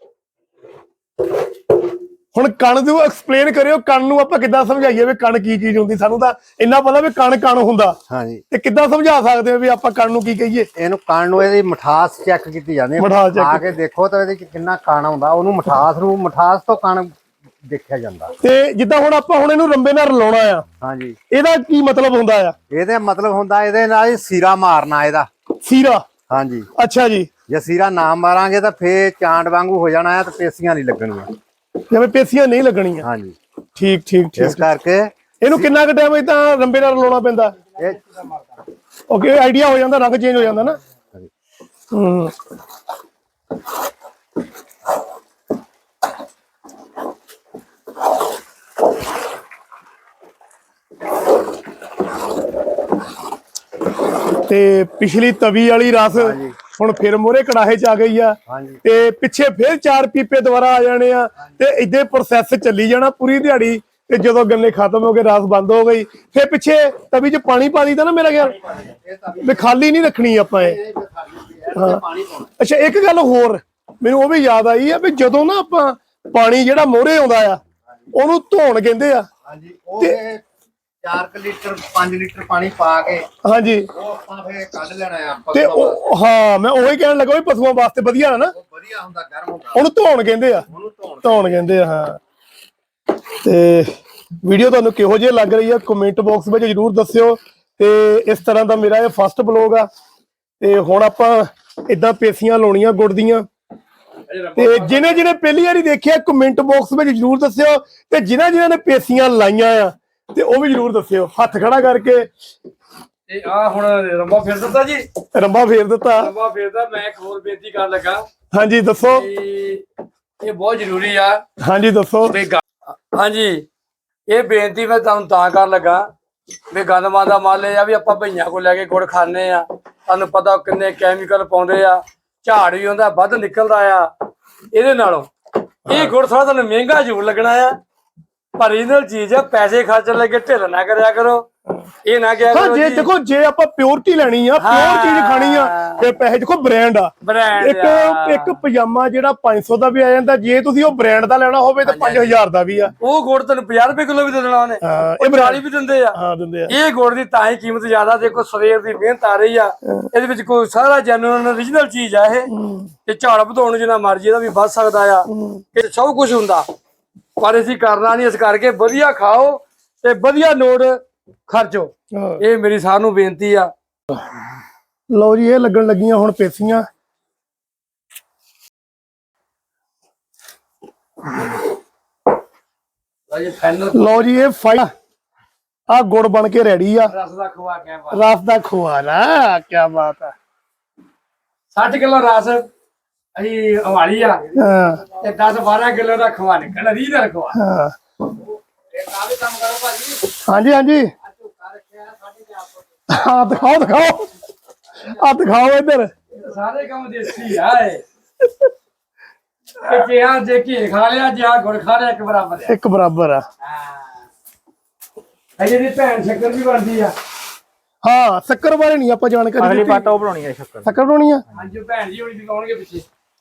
S1: ਹੁਣ ਕਣ ਨੂੰ ਐਕਸਪਲੇਨ ਕਰਿਓ, ਕਣ ਨੂੰ ਆਪਾਂ ਕਿੱਦਾਂ ਸਮਝਾਈਏ ਵੀ ਕਣ ਕੀ ਚੀਜ਼ ਹੁੰਦੀ? ਸਾਨੂੰ ਤਾਂ ਇੰਨਾ ਪਤਾ ਵੀ ਕਣ ਕਣ ਹੁੰਦਾ,
S3: ਹਾਂਜੀ
S1: ਤੇ ਕਿੱਦਾਂ ਸਮਝਾ ਸਕਦੇ ਹੋ ਵੀ ਆਪਾਂ ਕਣ ਨੂੰ ਕੀ ਕਹੀਏ?
S3: ਇਹਨੂੰ ਕਣ ਨੂੰ ਇਹਦੀ ਮਠਾਸ ਚੈੱਕ ਕੀਤੀ ਜਾਂਦੀ
S1: ਮਿਠਾਸ check
S3: ਆ ਕੇ ਦੇਖੋ ਤਾਂ ਇਹਦੇ 'ਚ ਕਿੰਨਾ ਕਣ ਆਉਂਦਾ, ਉਹਨੂੰ ਮਠਾਸ ਨੂੰ ਮਠਾਸ ਤੋਂ ਕਣ ਦੇਖਿਆ ਜਾਂਦਾ।
S1: ਤੇ ਜਿੱਦਾਂ ਹੁਣ ਆਪਾਂ ਹੁਣ ਇਹਨੂੰ ਰੰਬੇ ਨਾਲ ਰਲਾਉਣਾ ਆ,
S3: ਹਾਂਜੀ
S1: ਇਹਦਾ ਕੀ ਮਤਲਬ ਹੁੰਦਾ ਆ?
S3: ਇਹਦੇ ਮਤਲਬ ਹੁੰਦਾ ਇਹਦੇ ਨਾਲ ਹੀ ਸੀਰਾ ਮਾਰਨਾ ਇਹਦਾ।
S1: ਸੀਰਾ?
S3: ਹਾਂਜੀ
S1: ਅੱਛਾ ਜੀ।
S3: ਜੇ ਸੀਰਾ ਨਾ ਮਾਰਾਂਗੇ ਤਾਂ ਫੇਰ ਚਾਂਡ ਵਾਂਗੂ ਹੋ ਜਾਣਾ ਹੈ ਤੇ ਪੇਸੀਆਂ ਨਹੀਂ ਲੱਗਣੀਆਂ।
S1: ਜਿਵੇਂ ਪੇਸੀਆਂ ਨਹੀਂ ਲੱਗਣੀਆਂ।
S3: ਹਾਂਜੀ
S1: ਠੀਕ ਠੀਕ
S3: ਇਸ
S1: ਠੀਕ।
S3: ਕਰਕੇ
S1: ਇਹਨੂੰ ਕਿੰਨਾ ਕੁ ਟਾਈਮ ਇਦਾਂ ਰੰਬੇ ਨਾਲ ਰਲਾਉਣਾ ਪੈਂਦਾ?
S3: ਇਹ
S1: ਓਕੇ ਆਈਡੀਆ ਹੋ ਜਾਂਦਾ, ਰੰਗ ਚੇਂਜ ਹੋ ਜਾਂਦਾ ਨਾ। ਹੂੰ ਤੇ ਪਿਛਲੀ ਤਵੀ ਵਾਲੀ ਰਸ ਹੁਣ ਫਿਰ ਮੋਰੇ ਕੜਾਹੇ ਚ ਆ ਗਈ ਆ।
S3: ਹਾਂਜੀ
S1: ਤੇ ਪਿੱਛੇ ਫਿਰ ਚਾਰ ਪੀਪੇ ਦੁਬਾਰਾ ਆ ਜਾਣੇ ਆ, ਤੇ ਇਦਾਂ ਪ੍ਰੋਸੈਸ ਚੱਲੀ ਜਾਣਾ ਪੂਰੀ ਦਿਹਾੜੀ। ਤੇ ਜਦੋਂ ਗੰਨੇ ਖਤਮ ਹੋ ਗਏ, ਰਸ ਬੰਦ ਹੋ ਗਈ, ਫਿਰ ਪਿੱਛੇ ਤਵੀ 'ਚ ਪਾਣੀ ਪਾ ਦਿੱਤਾ ਨਾ ਮੇਰਾ ਖਿਆਲ, ਵੀ ਖਾਲੀ ਨਹੀਂ ਰੱਖਣੀ ਆਪਾਂ ਇਹ। ਹਾਂ ਅੱਛਾ ਇੱਕ ਗੱਲ ਹੋਰ ਮੈਨੂੰ ਉਹ ਵੀ ਯਾਦ ਆਈ ਆ ਵੀ ਜਦੋਂ ਨਾ ਆਪਾਂ ਪਾਣੀ ਜਿਹੜਾ ਮੋਹਰੇ ਆਉਂਦਾ ਆ ਉਹਨੂੰ ਧੋਣ ਕਹਿੰਦੇ ਆ।
S3: ਹਾਂਜੀ ਉਹ ਚਾਰ ਲੀਟਰ ਪੰਜ ਲੀਟਰ ਪਾਣੀ ਪਾ ਕੇ
S1: ਹਾਂਜੀ
S3: ਉਹ ਆਪਾਂ ਫੇਰ ਕੱਢ ਲੈਣਾ ਆ ਆਪਾਂ।
S1: ਤੇ ਉਹ ਹਾਂ ਮੈਂ ਉਹੀ ਕਹਿਣ ਲੱਗਾ ਵੀ ਪਸ਼ੂਆਂ ਵਾਸਤੇ ਵਧੀਆ ਹੈ ਨਾ,
S3: ਵਧੀਆ ਹੁੰਦਾ, ਗਰਮ ਹੁੰਦਾ,
S1: ਉਹਨੂੰ ਧੋਣ ਕਹਿੰਦੇ ਆ।
S3: ਉਹਨੂੰ ਧੋਣ
S1: ਧੋਣ ਕਹਿੰਦੇ ਆ ਹਾਂ। ਤੇ ਵੀਡੀਓ ਤੁਹਾਨੂੰ ਕਿਹੋ ਜਿਹੀ ਲੱਗ ਰਹੀ ਆ ਕਮੈਂਟ ਬਾਕਸ ਵਿੱਚ ਜਰੂਰ ਦੱਸਿਓ। ਤੇ ਇਸ ਤਰ੍ਹਾਂ ਦਾ ਮੇਰਾ ਇਹ ਫਸਟ ਬਲੌਗ ਆ। ਤੇ ਹੁਣ ਆਪਾਂ ਇਦਾਂ ਪੇਸੀਆਂ ਲਾਉਣੀਆਂ ਗੁੜ ਦੀਆਂ, ਤੇ ਜਿਹਨੇ ਜਿਹਨੇ ਪਹਿਲੀ ਵਾਰੀ ਦੇਖਿਆ ਕਮੈਂਟ ਬਾਕਸ ਵਿੱਚ ਜਰੂਰ ਦੱਸਿਓ ਤੇ ਜਿਨ੍ਹਾਂ ਜਿਨ੍ਹਾਂ ਨੇ ਪੇਸੀਆਂ ਲਾਈਆਂ ਆ ਤੇ ਉਹ ਵੀ ਜਰੂਰ ਦੱਸਿਓ। ਹੱਥ ਖੜਾ ਕਰਕੇ
S2: ਤੇ ਆ ਹੁਣ ਰੰਬਾ ਫੇਰ ਦਿੱਤਾ ਜੀ,
S1: ਰੰਬਾ ਫੇਰ ਦਿੱਤਾ।
S2: ਰੰਬਾ ਫੇਰਦਾ। ਮੈਂ ਇੱਕ ਹੋਰ ਬੇਨਤੀ ਕਰਨ ਲੱਗਾ
S1: ਹਾਂਜੀ ਦੱਸੋ।
S2: ਕਿ ਇਹ ਬਹੁਤ ਜ਼ਰੂਰੀ ਆ।
S1: ਹਾਂਜੀ ਦੱਸੋ।
S2: ਵੀ ਗ- ਹਾਂਜੀ ਇਹ ਬੇਨਤੀ ਮੈਂ ਤੁਹਾਨੂੰ ਤਾਂ ਕਰਨ ਲੱਗਾ ਵੀ ਗੰਦਮਾਂ ਦਾ ਮਾਲ ਇਹ ਆ ਵੀ ਆਪਾਂ ਭਈਆਂ ਕੋਲ ਲੈ ਕੇ ਗੁੜ ਖਾਂਦੇ ਆ, ਤੁਹਾਨੂੰ ਪਤਾ ਕਿੰਨੇ ਕੈਮੀਕਲ ਪਾਉਂਦੇ ਆ, ਝਾੜ ਵੀ ਹੁੰਦਾ ਵੱਧ ਨਿਕਲਦਾ ਆ ਇਹਦੇ ਨਾਲੋਂ। ਇਹ ਗੁੜ ਥੋੜਾ ਤੁਹਾਨੂੰ ਮਹਿੰਗਾ ਜ਼ਰੂਰ ਲੱਗਣਾ ਆ, ਪਰ ਇਹਨਾਂ ਚੀਜ਼ ਆ, ਪੈਸੇ ਖਰਚਣ ਲੱਗੇ ਢਿੱਲ ਨਾ ਕਰਿਆ ਕਰੋ। ਇਹ ਨਾ ਕਿਹਾ
S1: ਹਾਂ
S2: ਕਰੋ
S1: ਜੇ
S2: ਜੀ
S1: ਦੇਖੋ ਜੇ ਆਪਾਂ ਪਿਓਰਟੀ ਲੈਣੀ ਆ, ਪਿਓਰ ਚੀਜ਼ ਖਾਣੀ ਆ ਤੇ ਪੈਸੇ ਦੇਖੋ ਬ੍ਰਾਂਡ ਆ।
S2: ਬ੍ਰਾਂਡ
S1: ਇੱਕ ਇੱਕ ਪਜਾਮਾ ਜਿਹੜਾ ਪੰਜ ਸੌ ਦਾ ਵੀ ਆ ਜਾਂਦਾ, ਜੇ ਤੁਸੀਂ ਉਹ ਬ੍ਰਾਂਡ ਦਾ ਲੈਣਾ ਹੋਵੇ ਤਾਂ ਪੰਜ ਹਜ਼ਾਰ ਦਾ ਵੀ ਆ।
S2: ਉਹ ਗੁੜ ਤੁਹਾਨੂੰ ਪੰਜਾਹ ਰੁਪਏ ਕਿਲੋ ਵੀ ਦੇ ਦੇਣਾ ਉਹਨੇ,
S1: ਹਾਂ,
S2: ਇਹ ਬਰਾਲੀ ਵੀ ਦਿੰਦੇ ਆ।
S1: ਹਾਂ ਦਿੰਦੇ ਆ।
S2: ਇਹ ਗੁੜ ਦੀ ਤਾਂ ਹੀ ਕੀਮਤ ਜ਼ਿਆਦਾ, ਦੇਖੋ ਸਵੇਰ ਦੀ ਮਿਹਨਤ ਆ ਰਹੀ ਆ ਇਹਦੇ ਵਿੱਚ, ਕੋਈ ਸਾਰਾ ਜੈਨੂਇਨ ਓਰੀਜਨਲ ਚੀਜ਼ ਆ ਇਹ। ਤੇ ਝਾੜ ਵਧਾਉਣ ਨੂੰ ਜਿੰਨਾ ਮਰਜ਼ੀ ਇਹਦਾ ਵੀ ਵੱਧ ਸਕਦਾ ਆ, ਇਹ ਸਭ ਕੁਝ ਹੁੰਦਾ, ਪਰ ਅਸੀਂ ਕਰਨਾ ਨਹੀਂ। ਇਸ ਕਰਕੇ ਵਧੀਆ ਖਾਓ ਤੇ ਵਧੀਆ ਨੋਟ ਖਰਚੋ, ਇਹ ਮੇਰੀ ਸਾਰਿਆਂ ਨੂੰ ਬੇਨਤੀ ਆ।
S1: ਲਓ ਜੀ ਇਹ ਲੱਗਣ ਲੱਗੀਆਂ ਹੁਣ ਪੇਸੀਆਂ। ਲਓ ਜੀ ਇਹ ਫਾਈ ਆ ਗੁੜ ਬਣ ਕੇ ਰੈਡੀ ਆ।
S2: ਰਸ ਦਾ ਖਵਾ ਕੇ
S1: ਰਸ ਦਾ ਖੋਆ ਨਾ, ਕੀ ਬਾਤ ਆ।
S2: ਸੱਠ ਕਿਲੋ ਰਸ ਅਸੀਂ ਹਵਾਲੀ ਆ
S1: ਹਾਂ
S2: ਤੇ ਦਸ ਬਾਰਾਂ ਕਿਲੋ ਦਾ ਖਵਾ ਨਿਕਲ ਰੀਹ ਦਾ ਖਵਾ।
S1: ਹਾਂ
S2: ਇਹ ਕਾਹਦੇ ਕੰਮ ਕਰੋ ਭਾਜੀ।
S1: ਹਾਂਜੀ ਹਾਂਜੀ ਹਾਂ ਦਿਖਾਓ ਦਿਖਾਓ ਆ ਦਿਖਾਓ ਇੱਧਰ।
S2: ਸਾਰੇ ਕੰਮ ਦੇਸੀ ਆ ਇਹ। ਕਿ ਆ ਜੇ ਘੀ ਖਾ ਲਿਆ, ਜੇ ਆ ਗੁੜ ਖਾ ਲਿਆ, ਇੱਕ ਬਰਾਬਰ ਆ।
S1: ਇੱਕ ਬਰਾਬਰ ਆ।
S2: ਹਾਂ ਇਹਦੀ ਭੈਣ ਸ਼ੱਕਰ ਵੀ ਬਣਦੀ ਆ।
S1: ਹਾਂ ਸ਼ੱਕਰ ਬਾਰੇ ਨਹੀਂ ਆਪਾਂ ਜਾਣਕਾਰੀ
S5: ਅਗਲੀ
S1: ਦਿੱਤੀ।
S5: ਪਾਟਾ ਉਹ ਬਣਾਉਣੀ ਹੈ ਸ਼ੱਕਰ।
S1: ਸ਼ੱਕਰ ਬਣਾਉਣੀ ਆ।
S2: ਹਾਂਜੀ ਭੈਣ ਜੀ ਹੁਣੀ ਦਿਖਾਉਣਗੇ ਪਿੱਛੇ।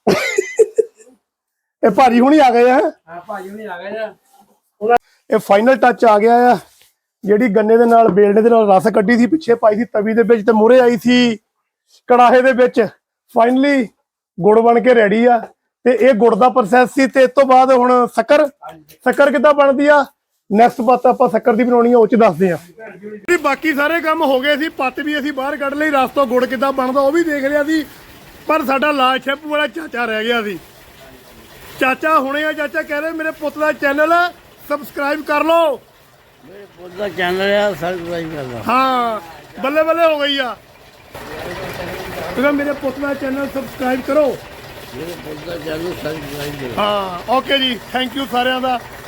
S1: ਇਹ ਭਾਜੀ ਹੁਣੀ ਆ ਗਏ ਆ।
S2: ਹਾਂ ਭਾਜੀ ਹੁਣੀ ਆ ਗਏ ਆ।
S1: ਇਹ ਫਾਈਨਲ ਟੱਚ ਆ ਗਿਆ ਆ। ਜਿਹੜੀ ਗੰਨੇ ਦੇ ਨਾਲ ਬੇਲਣੇ ਦੇ ਨਾਲ ਰਸ ਕੱਢੀ ਸੀ, ਪਿੱਛੇ ਪਾਈ ਸੀ ਤਵੀ ਦੇ ਵਿੱਚ ਤੇ ਮੂਹਰੇ ਆਈ ਸੀ ਕੜਾਹੇ ਦੇ ਵਿੱਚ, ਫਾਈਨਲੀ ਗੁੜ ਬਣ ਕੇ ਰੈਡੀ ਆ। ਤੇ ਇਹ ਗੁੜ ਦਾ ਪ੍ਰੋਸੈਸ ਸੀ ਤੇ ਇਸ ਤੋਂ ਬਾਅਦ ਹੁਣ ਸ਼ੱਕਰ ਸ਼ੱਕਰ ਕਿੱਦਾਂ ਬਣਦੀ ਆ, ਨੈਕਸਟ ਬਾਤ ਆਪਾਂ ਸ਼ੱਕਰ ਦੀ ਬਣਾਉਣੀ ਆ ਉਹ ਚ ਦੱਸਦੇ ਆ। ਬਾਕੀ ਸਾਰੇ ਕੰਮ ਹੋ ਗਏ ਸੀ, ਪੱਤ ਵੀ ਅਸੀਂ ਬਾਹਰ ਕੱਢ ਲਈ, ਰਸ ਤੋਂ ਗੁੜ ਕਿੱਦਾਂ ਬਣਦਾ ਉਹ ਵੀ ਦੇਖ ਲਿਆ ਸੀ, ਪਰ ਸਾਡਾ ਲਾਲ ਸ਼ੈਂਪੂ ਵਾਲਾ ਚਾਚਾ ਰਹਿ ਗਿਆ ਸੀ। ਚਾਚਾ ਹੁਣੇ ਆ, ਚਾਚਾ ਕਹਿ ਰਹੇ ਮੇਰੇ ਪੁੱਤ ਦਾ ਚੈਨਲ ਸਬਸਕ੍ਰਾਈਬ ਕਰ ਲਓ।
S6: ਮੇਰੇ ਪੁੱਤ ਦਾ ਚੈਨਲ ਆ, ਸਬਸਕ੍ਰਾਈਬ ਕਰ ਲਓ।
S1: ਹਾਂ ਬੱਲੇ ਬੱਲੇ ਹੋ ਗਈ ਆ। ਤੁਸੀਂ ਮੇਰੇ ਪੁੱਤ ਦਾ ਚੈਨਲ ਸਬਸਕ੍ਰਾਈਬ ਕਰੋ।
S6: ਮੇਰੇ ਪੁੱਤ ਦਾ ਚੈਨਲ ਸਬਸਕ੍ਰਾਈਬ ਕਰੋ।
S1: ਹਾਂ ਓਕੇ ਜੀ, ਥੈਂਕ ਯੂ ਸਾਰਿਆਂ ਦਾ।